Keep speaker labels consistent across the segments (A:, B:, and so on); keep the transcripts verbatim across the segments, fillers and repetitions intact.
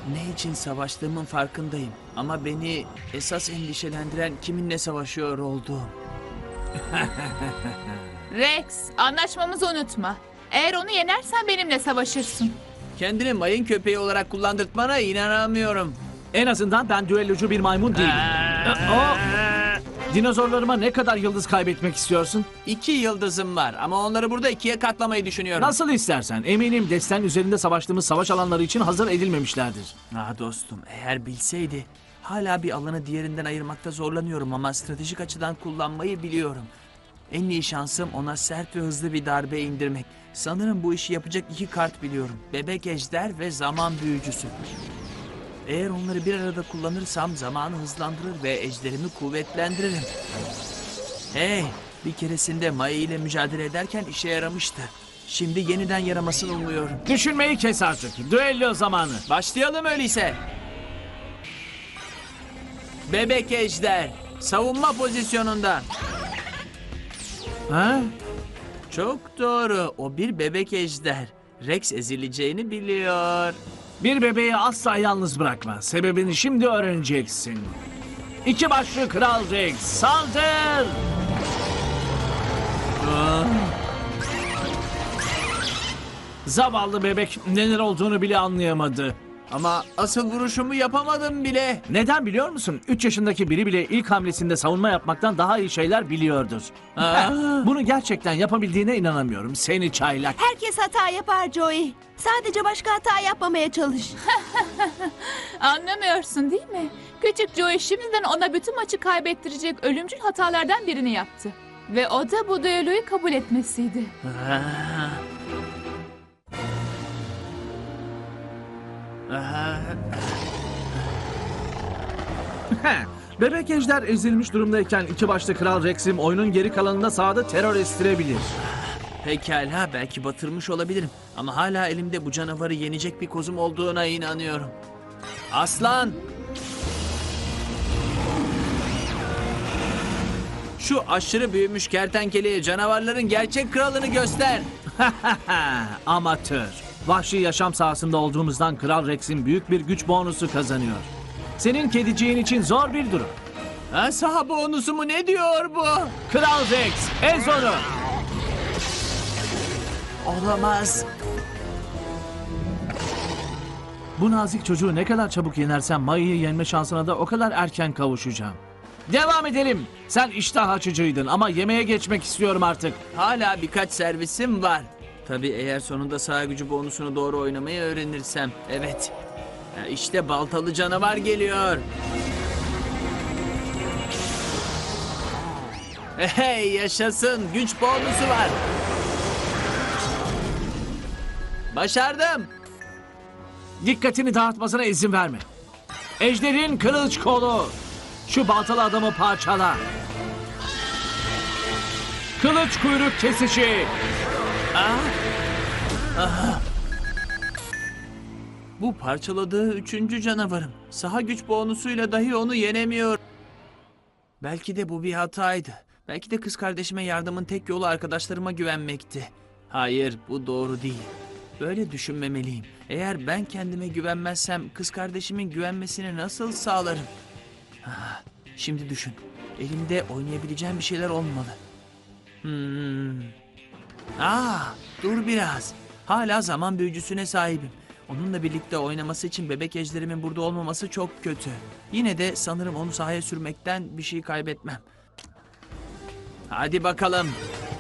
A: Ne için savaştığımın farkındayım. Ama beni esas endişelendiren kiminle savaşıyor olduğum.
B: Rex, anlaşmamızı unutma. Eğer onu yenersen benimle savaşırsın.
A: Kendini mayın köpeği olarak kullandırtmana inanamıyorum.
C: En azından ben düellocu bir maymun değilim. O, dinozorlarıma ne kadar yıldız kaybetmek istiyorsun?
A: İki yıldızım var ama onları burada ikiye katlamayı düşünüyorum.
C: Nasıl istersen. Eminim desten üzerinde savaştığımız savaş alanları için hazır edilmemişlerdir.
A: Ah dostum, eğer bilseydi. Hala bir alanı diğerinden ayırmakta zorlanıyorum ama stratejik açıdan kullanmayı biliyorum. En iyi şansım ona sert ve hızlı bir darbe indirmek. Sanırım bu işi yapacak iki kart biliyorum. Bebek ejder ve zaman büyücüsü. Eğer onları bir arada kullanırsam zamanı hızlandırır ve ejderimi kuvvetlendiririm. Hey, bir keresinde Maya ile mücadele ederken işe yaramıştı. Şimdi yeniden yaramasını umuyorum.
C: Düşünmeyi kes artık. Düello zamanı.
A: Başlayalım öyleyse. Bebek ejder, savunma pozisyonunda.
C: Ha?
A: Çok doğru, o bir bebek ejder. Rex ezileceğini biliyor.
C: Bir bebeği asla yalnız bırakma. Sebebini şimdi öğreneceksin. İki başlı Kral Rex, saldır! Zavallı bebek neler olduğunu bile anlayamadı.
A: Ama asıl vuruşumu yapamadım bile.
C: Neden biliyor musun? Üç yaşındaki biri bile ilk hamlesinde savunma yapmaktan daha iyi şeyler biliyordur.
A: Aa.
C: Bunu gerçekten yapabildiğine inanamıyorum. Seni çaylak.
D: Herkes hata yapar Joey. Sadece başka hata yapmamaya çalış.
B: Anlamıyorsun değil mi? Küçük Joey şimdiden ona bütün maçı kaybettirecek ölümcül hatalardan birini yaptı. Ve o da bu düelloyu kabul etmesiydi.
A: Aa. Aa.
C: Bebek ejder ezilmiş durumdayken iki başlı Kral Rex'im oyunun geri kalanında sahada terör estirebilir.
A: Pekala, belki batırmış olabilirim. Ama hala elimde bu canavarı yenecek bir kozum olduğuna inanıyorum. Aslan! Şu aşırı büyümüş kertenkeleye canavarların gerçek kralını göster.
C: Amatör. Vahşi yaşam sahasında olduğumuzdan Kral Rex'in büyük bir güç bonusu kazanıyor. Senin kediciğin için zor bir durum.
A: Ha, saha bonusu mu, ne diyor bu?
C: Kral Rex, ez onu!
A: Olamaz.
C: Bu nazik çocuğu ne kadar çabuk yenersem Maya'yı yenme şansına da o kadar erken kavuşacağım. Devam edelim. Sen iştah açıcıydın ama yemeğe geçmek istiyorum artık.
A: Hala birkaç servisim var. Tabii eğer sonunda saha gücü bonusunu doğru oynamayı öğrenirsem. Evet. Ha, İşte baltalı canavar geliyor. Hey, yaşasın. Güç bonusu var. Başardım.
C: Dikkatini dağıtmasına izin verme. Ejder'in kılıç kolu. Şu baltalı adamı parçala. Kılıç kuyruk kesişi.
A: Bu parçaladığı üçüncü canavarım. Saha güç bonusuyla dahi onu yenemiyor. Belki de bu bir hataydı. Belki de kız kardeşime yardımın tek yolu arkadaşlarıma güvenmekti. Hayır, bu doğru değil. Böyle düşünmemeliyim. Eğer ben kendime güvenmezsem kız kardeşimin güvenmesini nasıl sağlarım? Ah, şimdi düşün. Elimde oynayabileceğim bir şeyler olmalı. Hmm. Aa, dur biraz. Hala zaman büyücüsüne sahibim. Onunla birlikte oynaması için bebek ejderimin burada olmaması çok kötü. Yine de sanırım onu sahaya sürmekten bir şey kaybetmem. Hadi bakalım.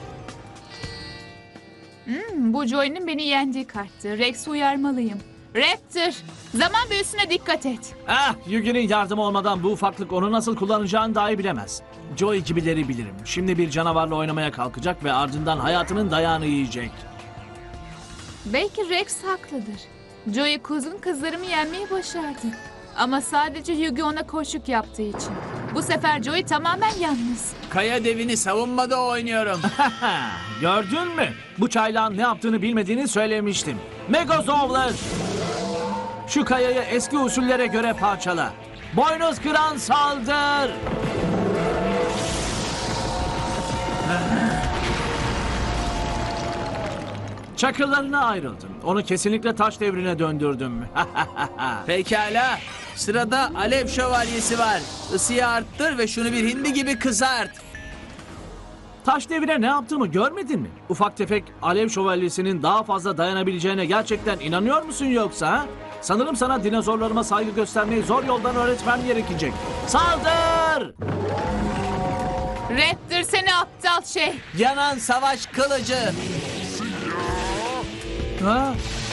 B: Hmm, bu Joey'nin beni yendiği karttı. Rex'i uyarmalıyım. Raptor, zaman büyüsüne dikkat et.
C: Ah, Yugi'nin yardımı olmadan bu ufaklık onu nasıl kullanacağını dahi bilemez. Joey gibileri bilirim. Şimdi bir canavarla oynamaya kalkacak ve ardından hayatının dayağını yiyecek.
B: Belki Rex haklıdır. Joey kuzgun kızlarımı yenmeyi başardı. Ama sadece Yugi ona koşuk yaptığı için. Bu sefer Joey tamamen yalnız.
A: Kaya devini savunmada oynuyorum.
C: Gördün mü? Bu çaylağın ne yaptığını bilmediğini söylemiştim. Megazovlar! Şu kayayı eski usullere göre parçala. Boynuz kıran saldır! Çakıllarına ayrıldın. Onu kesinlikle taş devrine döndürdüm.
A: Pekala. Sırada Alev Şövalyesi var. Isıyı arttır ve şunu bir hindi gibi kızart.
C: Taş devrine ne yaptığımı görmedin mi? Ufak tefek alev şövalyesinin daha fazla dayanabileceğine gerçekten inanıyor musun yoksa? Ha? Sanırım sana dinozorlarıma saygı göstermeyi zor yoldan öğretmem gerekecek. Saldır!
B: Raptor seni aptal şey.
A: Yanan savaş kılıcı.
C: Ha?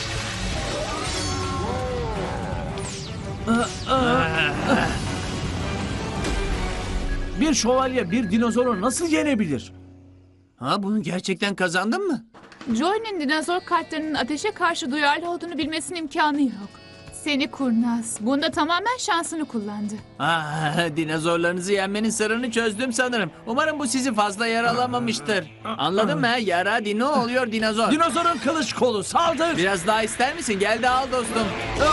C: Bir şövalye bir dinozoru nasıl yenebilir?
A: Ha, bunu gerçekten kazandın mı?
B: Joey'nin dinozor kartlarının ateşe karşı duyarlı olduğunu bilmesinin imkanı yok. Seni kurnaz. Bunda tamamen şansını kullandı.
A: Ah, dinozorlarınızı yenmenin sırrını çözdüm sanırım. Umarım bu sizi fazla yaralamamıştır. Anladın mı? Yara dino oluyor dinozor.
C: Dinozorun kılıç kolu saldır!
A: Biraz daha ister misin? Gel de al dostum.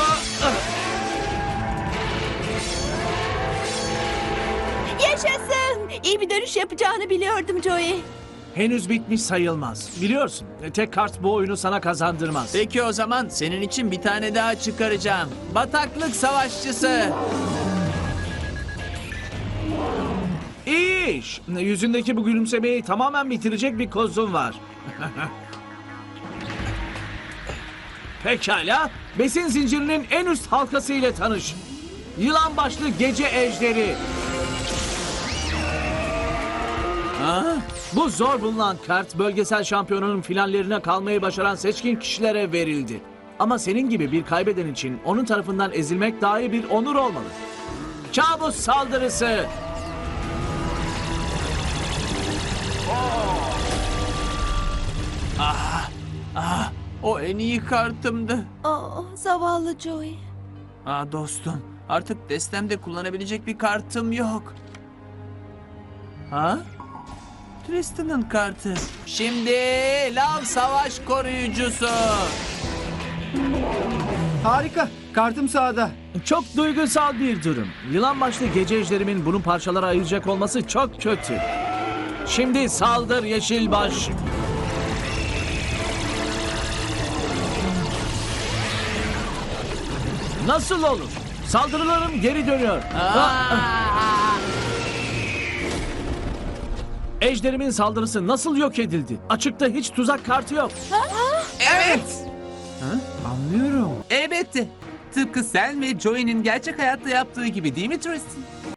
D: Yaşasın. İyi bir dönüş yapacağını biliyordum Joey.
C: Henüz bitmiş sayılmaz. Biliyorsun tek kart bu oyunu sana kazandırmaz.
A: Peki o zaman senin için bir tane daha çıkaracağım. Bataklık savaşçısı.
C: İyi iş. Yüzündeki bu gülümsemeyi tamamen bitirecek bir kozun var. Pekala. Besin zincirinin en üst halkası ile tanış. Yılan başlı gece ejderi.
A: Ha?
C: Bu zor bulunan kart bölgesel şampiyonunun finallerine kalmayı başaran seçkin kişilere verildi. Ama senin gibi bir kaybeden için onun tarafından ezilmek dahi bir onur olmalı. Kabus saldırısı.
A: Ah, o en iyi kartımdı.
D: Oh, zavallı Joey.
A: Ah dostum, artık destemde kullanabilecek bir kartım yok. Ha? Tristan'ın kartı. Şimdi lav savaş koruyucusu.
E: Harika. Kartım sağda.
C: Çok duygusal bir durum. Yılan başlı gece ejderimin bunu parçalara ayıracak olması çok kötü. Şimdi saldır Yeşilbaş. Nasıl olur? Saldırılarım geri dönüyor.
A: Ah!
C: Ejderimin saldırısı nasıl yok edildi? Açıkta hiç tuzak kartı yok.
A: Evet.
F: Anlıyorum. Elbette. Tıpkı sen ve Joey'nin gerçek hayatta yaptığı gibi değil mi Tristan?